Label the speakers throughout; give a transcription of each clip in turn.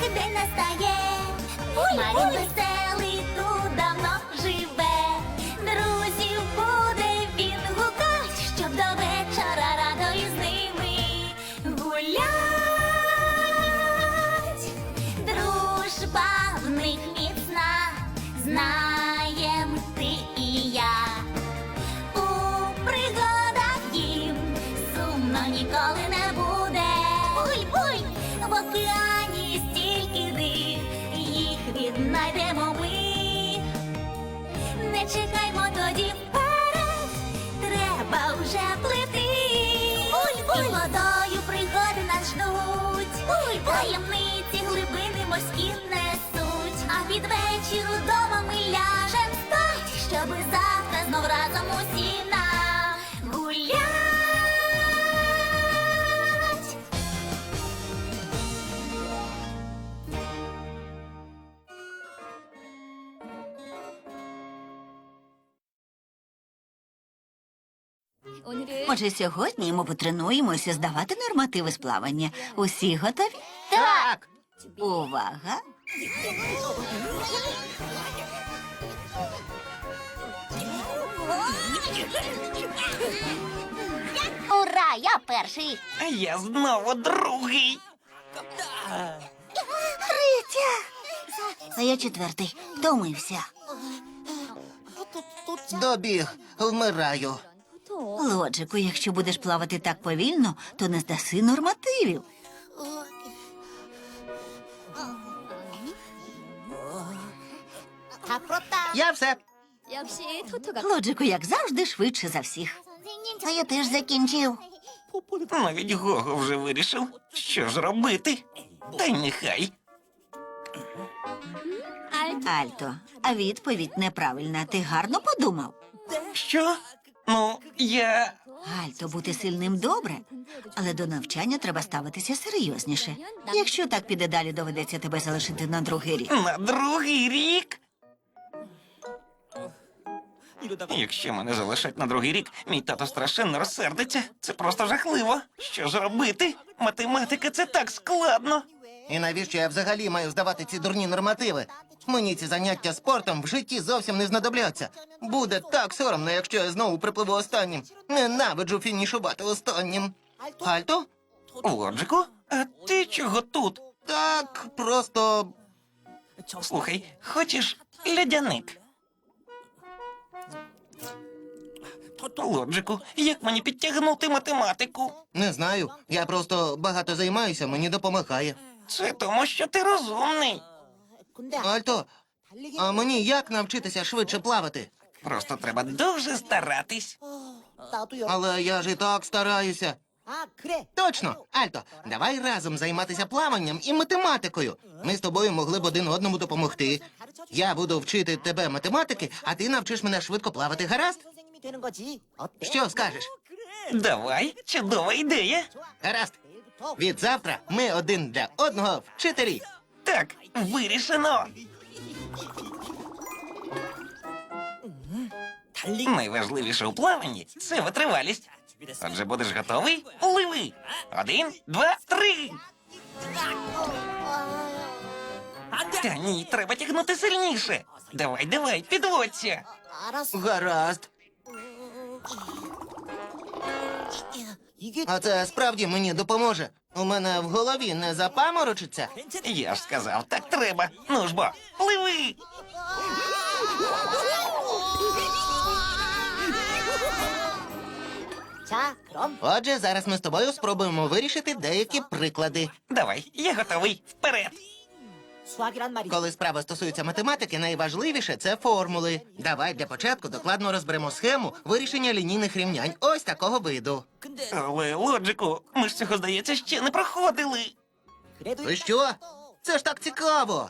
Speaker 1: день настає. Марін веселий тут давно живе. Друзів буде він гукать, щоб до вечора радо із ними гулять. Дружба в них міцна, знаєм ти і я. У пригадах їм сумно ніколи не буде. Буй-буй! В океані стільки див, їх віднайдемо ми. Не чекаймо тоді вперед, треба вже плити. Буй-буй! І водою пригоди нас ждуть. Буй-буй! Таємниці глибини морські несуть. А під вечір удома ми ляжем спать, щоби завтра знов разом усі нагулять.
Speaker 2: Отже, сьогодні ми потренуємося здавати нормативи з плавання. Усі готові?
Speaker 3: Так!
Speaker 2: Увага!
Speaker 1: Ура, я перший.
Speaker 3: А я знову другий.
Speaker 2: А я четвертий. Втомився.
Speaker 4: Добіг, вмираю.
Speaker 2: Лоджику, якщо будеш плавати так повільно, то не здаси нормативів.
Speaker 4: Я все.
Speaker 2: Лоджику, як завжди, швидше за всіх.
Speaker 4: А я теж закінчив.
Speaker 3: Навіть Гого вже вирішив, що ж робити. Та й нехай.
Speaker 2: Альто, а відповідь неправильна. Ти гарно подумав?
Speaker 3: Що? Ну, я...
Speaker 2: Альто, бути сильним добре, але до навчання треба ставитися серйозніше. Якщо так піде далі, доведеться тебе залишити на другий рік.
Speaker 3: На другий рік? Якщо мене залишать на другий рік, мій тато страшенно розсердиться. Це просто жахливо. Що ж робити? Математика — це так складно.
Speaker 4: І навіщо я взагалі маю здавати ці дурні нормативи? Мені ці заняття спортом в житті зовсім не знадобляться. Буде так соромно, якщо я знову припливу останнім. Ненавиджу фінішувати останнім. Альто?
Speaker 3: Лоджику, а ти чого тут?
Speaker 4: Так, просто...
Speaker 3: Слухай, хочеш льодяник? Лоджику, як мені підтягнути математику?
Speaker 4: Не знаю. Я просто багато займаюся, мені допомагає.
Speaker 3: Це тому, що ти розумний.
Speaker 4: Альто, а мені як навчитися швидше плавати?
Speaker 3: Просто треба дуже старатись.
Speaker 4: Але я ж і так стараюся. Точно, Альто, давай разом займатися плаванням і математикою. Ми з тобою могли б один одному допомогти. Я буду вчити тебе математики, а ти навчиш мене швидко плавати, гаразд? Що скажеш?
Speaker 3: Давай, чудова ідея.
Speaker 4: Гаразд. Від завтра ми один для одного вчителі.
Speaker 3: Так, вирішено. Найважливіше у плаванні – це витривалість. Отже, будеш готовий? Пливи! 1, 2, 3! Та ні, треба тягнути сильніше. Давай, давай, підводься.
Speaker 4: Гаразд. А це справді мені допоможе. У мене в голові не запаморочиться.
Speaker 3: Я ж сказав, так треба. Ну ж бо, пливи!
Speaker 4: Отже, зараз ми з тобою спробуємо вирішити деякі приклади.
Speaker 3: Давай, я готовий. Вперед!
Speaker 4: Коли справа стосується математики, найважливіше це формули. Давай для початку докладно розберемо схему вирішення лінійних рівнянь ось такого виду.
Speaker 3: Але, Лоджику, ми ж цього, здається, ще не проходили.
Speaker 4: Ви що? Це ж так цікаво.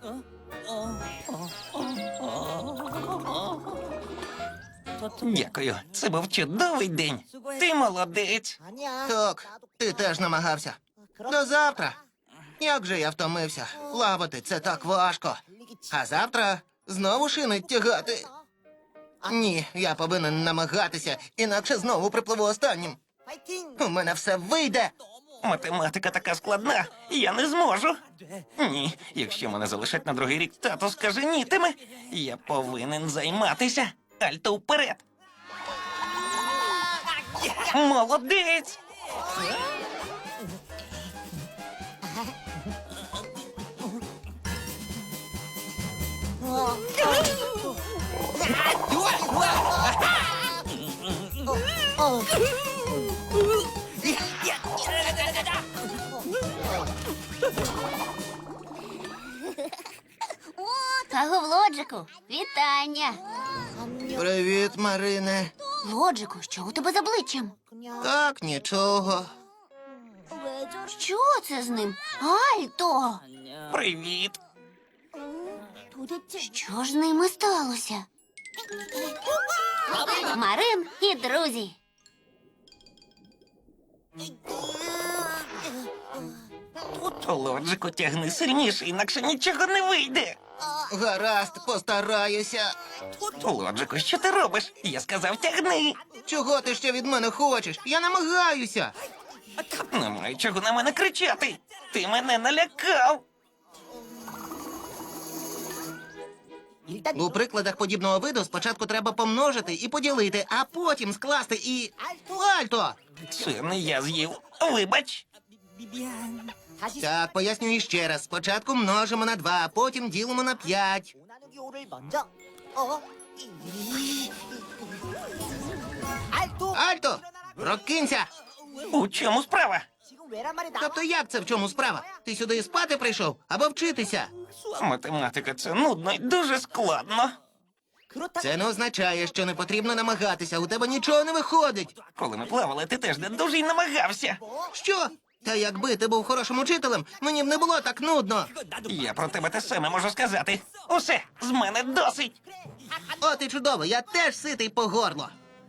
Speaker 3: Дякую, це був чудовий день. Ти молодець.
Speaker 4: Так, ти теж намагався. До завтра. Як же я втомився. Плавати це так важко. А завтра знову шинить тягати. Ні, я повинен намагатися, інакше знову припливу останнім. У мене все вийде.
Speaker 3: Математика така складна, я не зможу. Ні, якщо мене залишать на другий рік, тато скаженітиме. Я повинен займатися. Альто вперед. Молодець!
Speaker 1: Аго, Лоджику, вітання.
Speaker 4: Привіт, Марине.
Speaker 1: Лоджику, що у тебе з обличчям?
Speaker 4: Так, нічого.
Speaker 1: Що це з ним? Альто!
Speaker 3: Привіт!
Speaker 1: Що ж з ними сталося? Марин і друзі.
Speaker 3: Лоджику, тягни сильніше, інакше нічого не вийде.
Speaker 4: Гаразд, постараюся.
Speaker 3: Лоджику, що ти робиш? Я сказав, тягни.
Speaker 4: Чого ти ще від мене хочеш? Я намагаюся.
Speaker 3: Немає чого на мене кричати. Ти мене налякав.
Speaker 4: У прикладах подібного виду спочатку треба помножити і поділити, а потім скласти і... Альто!
Speaker 3: Це не я з'їв. Вибач.
Speaker 4: Так, пояснюю ще раз. Спочатку множимо на 2, а потім ділимо на 5. Альто! Прокинься!
Speaker 3: У чому справа?
Speaker 4: Тобто як це в чому справа? Ти сюди спати прийшов або вчитися?
Speaker 3: Математика це нудно і дуже складно.
Speaker 4: Це не означає, що не потрібно намагатися. У тебе нічого не виходить.
Speaker 3: Коли ми плавали, ти теж не дуже й намагався.
Speaker 4: Що? Та якби ти був хорошим учителем, мені б не було так нудно.
Speaker 3: Я про тебе те саме можу сказати. Усе, з мене досить.
Speaker 4: От і чудово, я теж ситий по горло.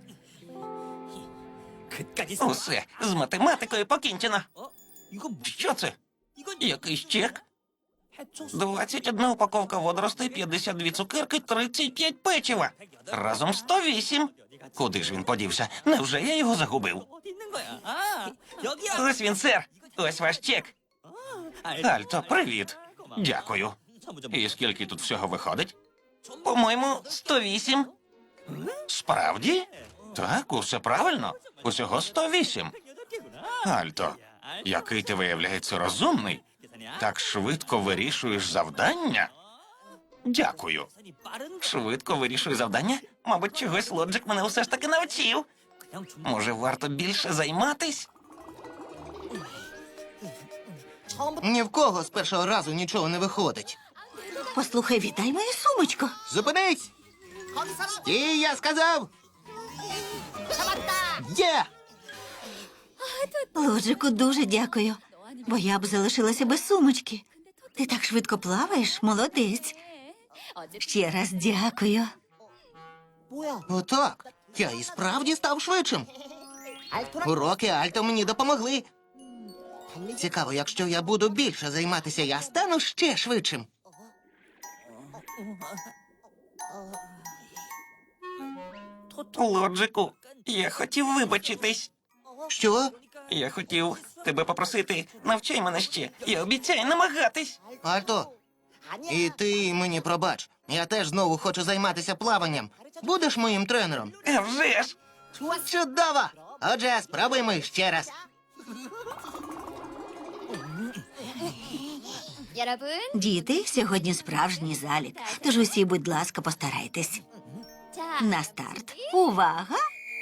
Speaker 3: Усе, з математикою покінчено. Що це? Якийсь чек? 21 упаковка водоростей, 52 цукерки, 35 печива. Разом 108. Куди ж він подівся? Невже я його загубив? Ось він, сер. Ось ваш чек. Альто, привіт. Дякую. І скільки тут всього виходить? По-моєму, 108. Справді? Так, усе правильно. Усього 108. Альто, який ти виявляється розумний. Так швидко вирішуєш завдання? Дякую. Швидко вирішую завдання? Мабуть, чогось Лоджик мене все ж таки навчив. Може, варто більше займатись?
Speaker 4: Ні в кого з першого разу нічого не виходить.
Speaker 2: Послухай, віддай мою сумочку.
Speaker 4: Зупинись! І я сказав! Є!
Speaker 2: Лоджику, дуже дякую, бо я б залишилася без сумочки. Ти так швидко плаваєш, молодець. Ще раз дякую.
Speaker 4: Отак. Я і справді став швидшим. Уроки Альто мені допомогли. Цікаво, якщо я буду більше займатися, я стану ще швидшим.
Speaker 3: Лоджику, я хотів вибачитись.
Speaker 4: Що?
Speaker 3: Я хотів тебе попросити, навчай мене ще. Я обіцяю намагатись.
Speaker 4: Альто, і ти мені пробач. Я теж знову хочу займатися плаванням. Будеш моїм тренером?
Speaker 3: А вже ж!
Speaker 4: Чудово! Отже, спробуємо ще раз.
Speaker 2: Діти, сьогодні справжній залік, тож усі, будь ласка, постарайтесь. На старт. Увага!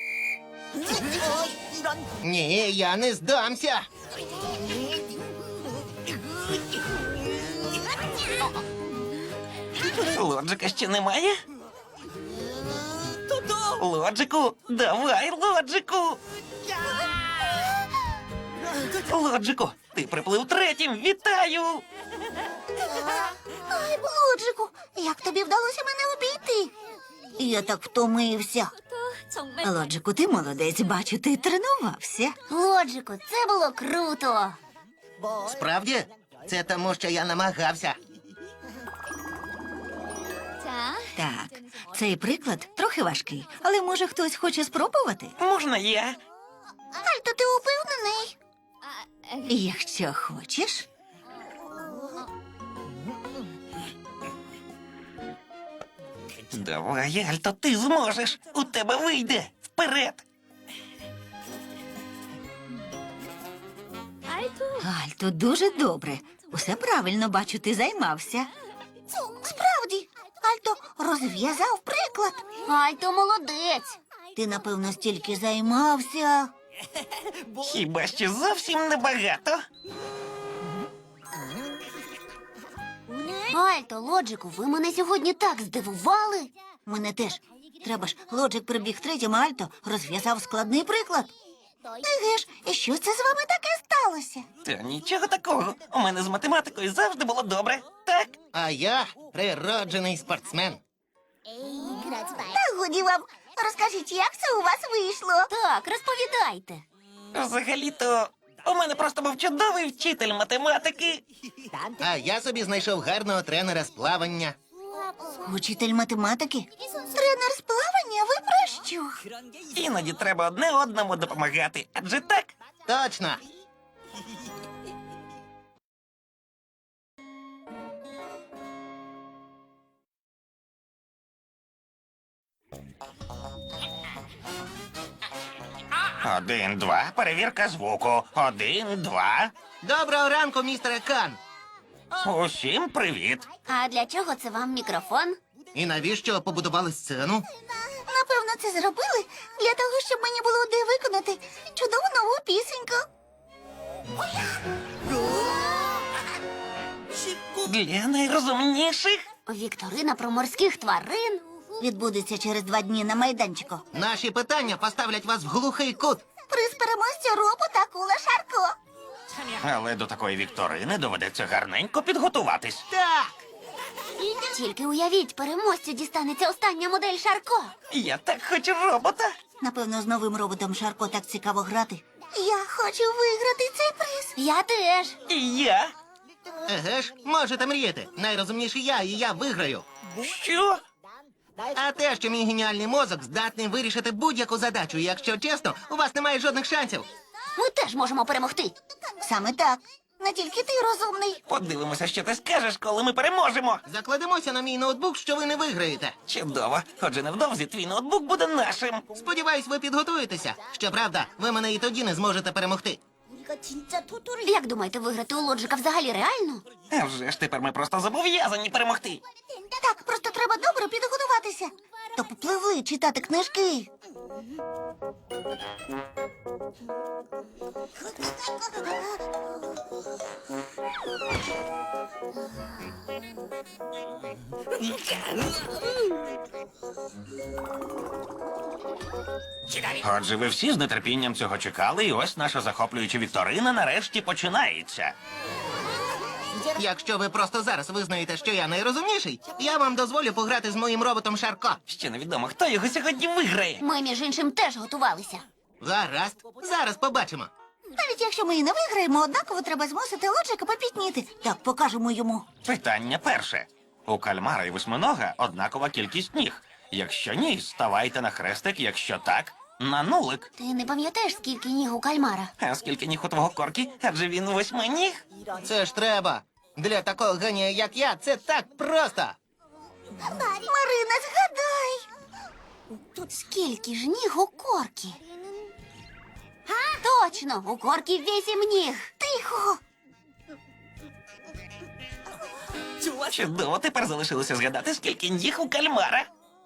Speaker 4: Ні, я не здамся.
Speaker 3: Лоджика ще немає? Лоджику, давай, Лоджику! Лоджику, ти приплив третім, вітаю!
Speaker 1: Ай, Лоджику, як тобі вдалося мене обійти?
Speaker 2: Я так втомився. Лоджику, ти молодець, бачу, ти тренувався.
Speaker 1: Лоджику, це було круто.
Speaker 4: Справді? Це тому, що я намагався.
Speaker 2: Так, цей приклад трохи важкий, але може хтось хоче спробувати?
Speaker 3: Можна я?
Speaker 1: Альто, ти упевнений?
Speaker 2: Якщо хочеш.
Speaker 3: Давай, Альто, ти зможеш. У тебе вийде. Вперед.
Speaker 2: Альто, дуже добре. Усе правильно, бачу, ти займався.
Speaker 1: Справді, Альто розв'язав приклад. Альто молодець.
Speaker 2: Ти, напевно, стільки займався.
Speaker 3: Хіба що зовсім небагато.
Speaker 1: Альто, Лоджику, ви мене сьогодні так здивували.
Speaker 2: Мене теж. Треба ж, Лоджик прибіг третім, а Альто розв'язав складний приклад.
Speaker 1: Еге ж, і що це з вами таке сталося?
Speaker 3: Та нічого такого. У мене з математикою завжди було добре. Так?
Speaker 4: А я природжений спортсмен.
Speaker 1: Та годі вам, розкажіть, як це у вас вийшло? Так, розповідайте.
Speaker 3: Взагалі-то у мене просто був чудовий вчитель математики.
Speaker 4: А я собі знайшов гарного тренера з плавання.
Speaker 2: Учитель математики?
Speaker 1: Тренер з плавання, ви про що?
Speaker 3: Іноді треба одне одному допомагати. Адже так?
Speaker 4: Точно.
Speaker 3: Один, два, перевірка звуку. Один, два.
Speaker 4: Доброго ранку, містере Кан.
Speaker 3: Усім привіт.
Speaker 1: А для чого це вам мікрофон?
Speaker 4: І навіщо побудували сцену?
Speaker 1: Напевно, це зробили для того, щоб мені було де виконати чудову нову пісеньку.
Speaker 3: Для найрозумніших.
Speaker 1: Вікторина про морських тварин.
Speaker 2: Відбудеться через 2 дні на майданчику.
Speaker 4: Наші питання поставлять вас в глухий кут.
Speaker 1: Приз переможця Робу та Кула Шарко.
Speaker 3: Але до такої вікторини доведеться гарненько підготуватись.
Speaker 4: Так.
Speaker 1: Тільки уявіть, переможцю дістанеться остання модель Шарко.
Speaker 3: Я так хочу робота.
Speaker 2: Напевно, з новим роботом Шарко так цікаво грати.
Speaker 1: Я хочу виграти цей приз. Я теж.
Speaker 3: І я.
Speaker 4: Еге ж, можете мріяти. Найрозумніший я, і я виграю.
Speaker 3: Що?
Speaker 4: А те, що мій геніальний мозок здатний вирішити будь-яку задачу, і якщо чесно, у вас немає жодних шансів.
Speaker 1: Ми теж можемо перемогти.
Speaker 2: Саме так.
Speaker 1: Не тільки ти розумний.
Speaker 3: Подивимося, що ти скажеш, коли ми переможемо.
Speaker 4: Закладемося на мій ноутбук, що ви не виграєте.
Speaker 3: Чудово. Отже, невдовзі твій ноутбук буде нашим.
Speaker 4: Сподіваюсь, ви підготуєтеся. Щоправда, ви мене і тоді не зможете перемогти.
Speaker 1: Як думаєте, виграти у Лоджика взагалі реально?
Speaker 3: А вже ж тепер ми просто зобов'язані перемогти.
Speaker 1: Так, просто треба добре підготуватися.
Speaker 2: То попливли читати книжки.
Speaker 3: Отже, ви всі з нетерпінням цього чекали, і ось наша захоплююча вікторина нарешті починається.
Speaker 4: Якщо ви просто зараз визнаєте, що я найрозумніший, я вам дозволю пограти з моїм роботом Шарко.
Speaker 3: Ще невідомо, хто його сьогодні виграє.
Speaker 1: Ми, між іншим, теж готувалися.
Speaker 4: Гаразд, зараз побачимо.
Speaker 2: Навіть якщо ми і не виграємо, однаково треба змусити Лоджика попітніти. Так, покажемо йому.
Speaker 3: Питання перше. У кальмара і восьминога однакова кількість ніг. Якщо ні, ставайте на хрестик, якщо так, на нулик.
Speaker 1: Ти не пам'ятаєш, скільки ніг у кальмара?
Speaker 3: А скільки ніг у твого корки? Адже він восьминіг.
Speaker 4: Це ж треба. Для такого генія, як я, це так просто.
Speaker 1: Марина, згадай. Скільки ж ніг у корки? Точно, у корки 8 ніг. Тихо.
Speaker 3: Чудово, тепер залишилося згадати, скільки ніг у кальмара.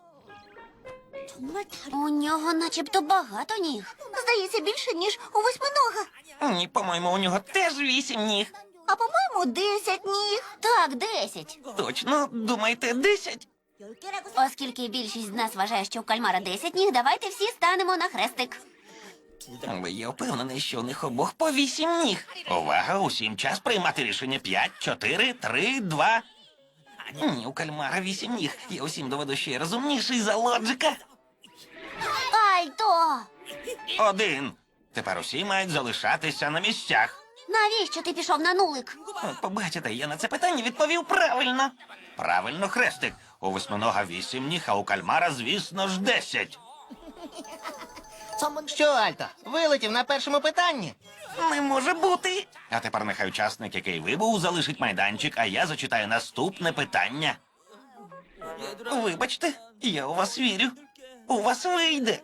Speaker 1: У нього начебто багато ніг. Здається, більше, ніж у восьминога.
Speaker 3: Ні, по-моєму, у нього теж 8 ніг.
Speaker 1: А по-моєму, 10 ніг. Так, 10.
Speaker 3: Точно, думаєте, 10?
Speaker 1: Оскільки більшість з нас вважає, що у кальмара 10 ніг, давайте всі станемо на хрестик.
Speaker 3: Але я впевнений, що у них обох по 8 ніг. Увага, усім час приймати рішення. 5, 4, 3, 2. Ні, у кальмара 8 ніг. Я усім доведу, що я розумніший за Лоджика.
Speaker 1: Альто!
Speaker 3: 1. Тепер усі мають залишатися на місцях.
Speaker 1: Навіщо ти пішов на нулик?
Speaker 3: От побачите, я на це питання відповів правильно. Правильно, хрестик. У восьминога 8 ніг, а у кальмара, звісно ж, 10.
Speaker 4: Що, Альто, вилетів на першому питанні?
Speaker 3: Не може бути. А тепер нехай учасник, який вибув, залишить майданчик, а я зачитаю наступне питання. Вибачте, я у вас вірю. У вас вийде.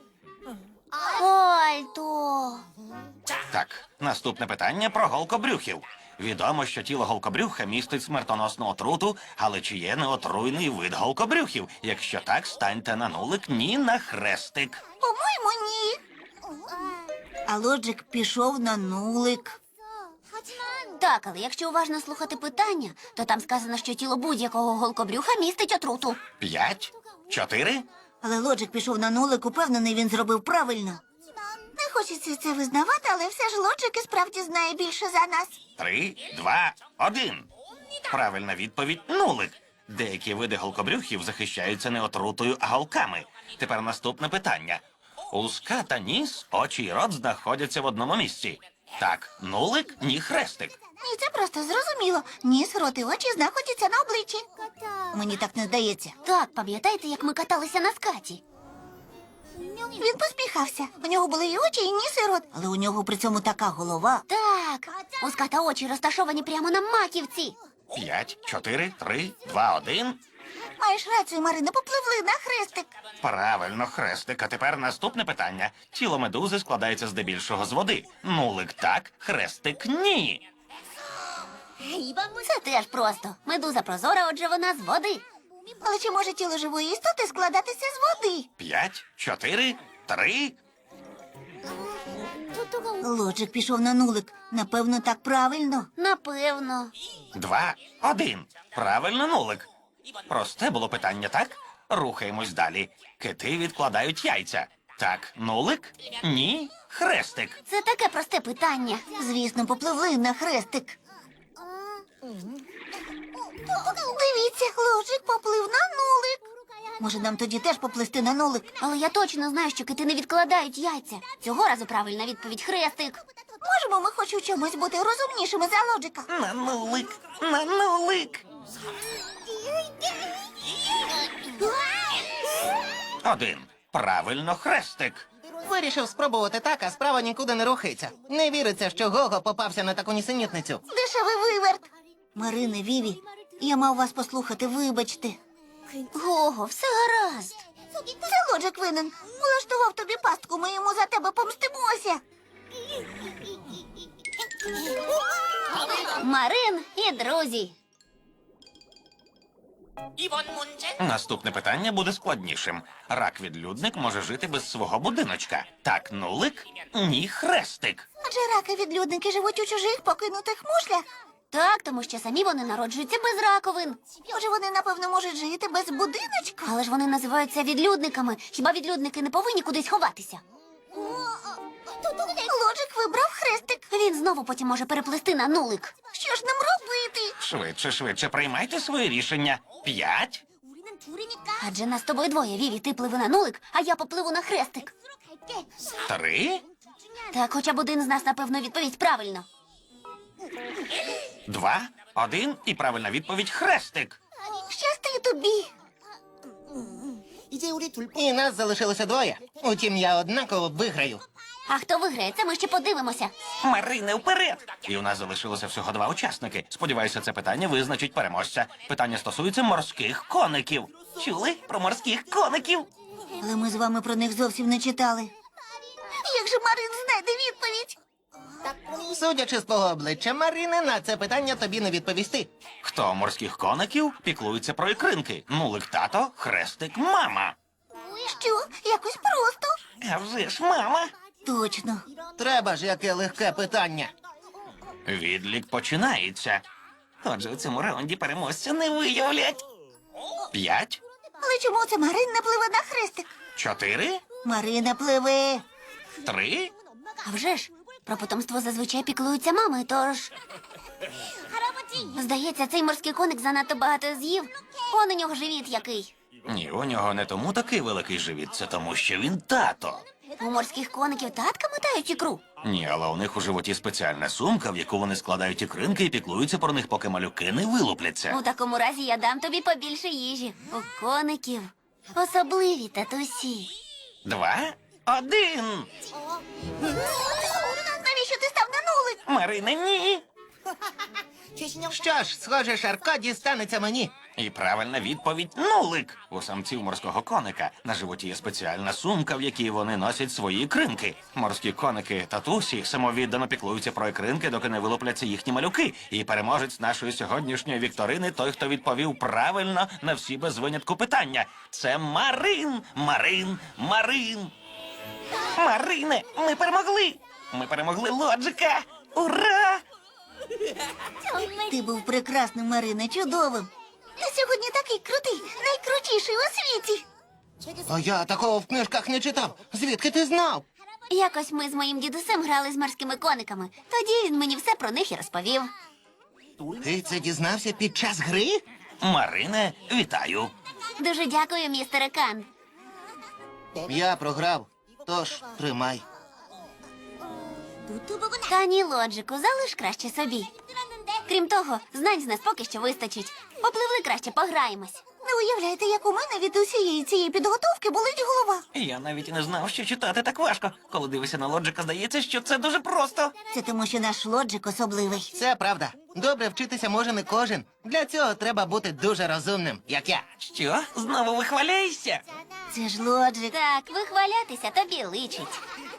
Speaker 1: Альто.
Speaker 3: Так, наступне питання про голкобрюхів. Відомо, що тіло голкобрюха містить смертоносну отруту, але чи є неотруйний вид голкобрюхів? Якщо так, станьте на нулик, ні на хрестик.
Speaker 1: По-моєму, ні.
Speaker 2: А Лоджик пішов на нулик.
Speaker 1: Так, але якщо уважно слухати питання, то там сказано, що тіло будь-якого голкобрюха містить отруту.
Speaker 3: 5, 4,
Speaker 2: Але Лоджик пішов на нулик, упевнений, він зробив правильно.
Speaker 1: Не хочеться це визнавати, але все ж Лоджик і справді знає більше за нас.
Speaker 3: 3, 2, 1. Правильна відповідь – нулик. Деякі види голкобрюхів захищаються не отрутою, а голками. Тепер наступне питання. Уска та ніс, очі й рот знаходяться в одному місці. Так, нулик, ні хрестик.
Speaker 1: Ні, це просто зрозуміло. Ніс, рот і очі знаходяться на обличчі.
Speaker 2: Мені так не здається.
Speaker 1: Так, пам'ятаєте, як ми каталися на скаті? Він посміхався. У нього були і очі, і ніс, і рот.
Speaker 2: Але у нього при цьому така голова.
Speaker 1: Так, у ската очі розташовані прямо на маківці.
Speaker 3: 5, 4, 3, 2, 1.
Speaker 1: Маєш рацію, Марина, попливли на хрестик.
Speaker 3: Правильно, хрестик. А тепер наступне питання. Тіло медузи складається здебільшого з води. Нулик так, хрестик ні.
Speaker 1: Це теж просто. Медуза прозора, отже вона з води. Але чи може тіло живої істоти складатися з води?
Speaker 3: 5, 4, 3.
Speaker 2: Лоджик пішов на нулик. Напевно, так правильно.
Speaker 1: Напевно.
Speaker 3: 2, 1. Правильно, нулик. Просте було питання, так? Рухаємось далі. Кити відкладають яйця. Так, нулик? Ні, хрестик.
Speaker 1: Це таке просте питання.
Speaker 2: Звісно, попливли на хрестик.
Speaker 1: Дивіться, Лоджик поплив на нулик.
Speaker 2: Може, нам тоді теж поплисти на нулик?
Speaker 1: Але я точно знаю, що кити не відкладають яйця. Цього разу правильна відповідь хрестик. Можемо ми хоч у чомусь бути розумнішими за Лоджика?
Speaker 3: На нулик, на нулик. 1. Правильно, хрестик.
Speaker 4: Вирішив спробувати так, а справа нікуди не рухається. Не віриться, що Гого попався на таку нісенітницю.
Speaker 1: Дешевий виверт.
Speaker 2: Марине, Віві, я мав вас послухати, вибачте.
Speaker 1: Гого, все гаразд. Це Лоджик винен. Влаштував тобі пастку, ми йому за тебе помстимося. Марин і друзі.
Speaker 3: Наступне питання буде складнішим. Рак-відлюдник може жити без свого будиночка. Так, нулик? Ні, хрестик.
Speaker 1: Адже раки-відлюдники живуть у чужих покинутих мушлях. Так, тому що самі вони народжуються без раковин. Може, вони, напевно, можуть жити без будиночка? Але ж вони називаються відлюдниками. Хіба відлюдники не повинні кудись ховатися? Лоджик вибрав хрестик. Він знову потім може переплисти на нулик. Що ж нам робити?
Speaker 3: Швидше, швидше, приймайте своє рішення. 5,
Speaker 1: Адже нас з тобою двоє, Віві, ти пливи на нулик, а я попливу на хрестик.
Speaker 3: 3,
Speaker 1: Так, хоча б один з нас, напевно, відповість правильно.
Speaker 3: 2, 1 і правильна відповідь хрестик.
Speaker 1: Щасти тобі.
Speaker 4: І нас залишилося двоє. Утім, я однаково виграю.
Speaker 1: А хто виграє, це ми ще подивимося.
Speaker 3: Марине, вперед! І у нас залишилося всього 2 учасники. Сподіваюся, це питання визначить переможця. Питання стосується морських коників. Чули про морських коників?
Speaker 2: Але ми з вами про них зовсім не читали.
Speaker 1: Як же Марин знайде відповідь?
Speaker 4: Судячи з твого обличчя, Марине, на це питання тобі не відповісти.
Speaker 3: Хто морських коників піклується про ікринки? Нулик тато, хрестик мама.
Speaker 1: Що? Якось просто.
Speaker 3: А вже ж мама.
Speaker 2: Точно.
Speaker 4: Треба ж, яке легке питання.
Speaker 3: Відлік починається. Отже, у цьому раунді переможця не виявлять. 5,
Speaker 1: Але чому це Марин не пливе на хрестик?
Speaker 3: 4,
Speaker 2: Марина пливе.
Speaker 3: 3.
Speaker 1: А вже ж, про потомство зазвичай піклуються мами, тож... Здається, цей морський коник занадто багато з'їв. Он у нього живіт який.
Speaker 3: Ні, у нього не тому такий великий живіт, це тому, що він тато.
Speaker 1: У морських коників татка мотають ікру.
Speaker 3: Ні, але у них у животі спеціальна сумка, в яку вони складають ікринки і піклуються про них, поки малюки не вилупляться.
Speaker 1: У такому разі я дам тобі побільше їжі. У коників особливі татусі.
Speaker 3: 2, 1.
Speaker 1: Навіщо ти став на нулик?
Speaker 3: Марине, ні.
Speaker 4: Що ж, схоже, Шарко дістанеться мені.
Speaker 3: І правильна відповідь нулик. У самців морського коника на животі є спеціальна сумка, в якій вони носять свої ікринки. Морські коники татусі самовіддано піклуються про ікринки, доки не вилупляться їхні малюки. І переможець нашої сьогоднішньої вікторини той, хто відповів правильно на всі без винятку питання. Це Марин! Марин! Марин! Марине, ми перемогли! Ми перемогли Лоджика! Ура!
Speaker 2: Ти був прекрасним, Марине, чудовим.
Speaker 1: Ти сьогодні такий крутий, найкрутіший у світі.
Speaker 4: А я такого в книжках не читав. Звідки ти знав?
Speaker 1: Якось ми з моїм дідусем грали з морськими кониками. Тоді він мені все про них і розповів.
Speaker 4: Ти це дізнався під час гри?
Speaker 3: Марине, вітаю!
Speaker 1: Дуже дякую, містере Кан.
Speaker 4: Я програв, тож тримай.
Speaker 1: Та ні, Лоджику, залиш краще собі. Крім того, знань з нас поки що вистачить. Попливли краще, пограємось. Не уявляєте, як у мене від усієї цієї підготовки болить голова.
Speaker 3: Я навіть і не знав, що читати так важко. Коли дивишся на Лоджика, здається, що це дуже просто.
Speaker 2: Це тому, що наш Лоджик особливий.
Speaker 4: Це правда. Добре вчитися може не кожен. Для цього треба бути дуже розумним, як я.
Speaker 3: Що? Знову вихваляєшся?
Speaker 2: Це ж Лоджик.
Speaker 1: Так, вихвалятися тобі личить.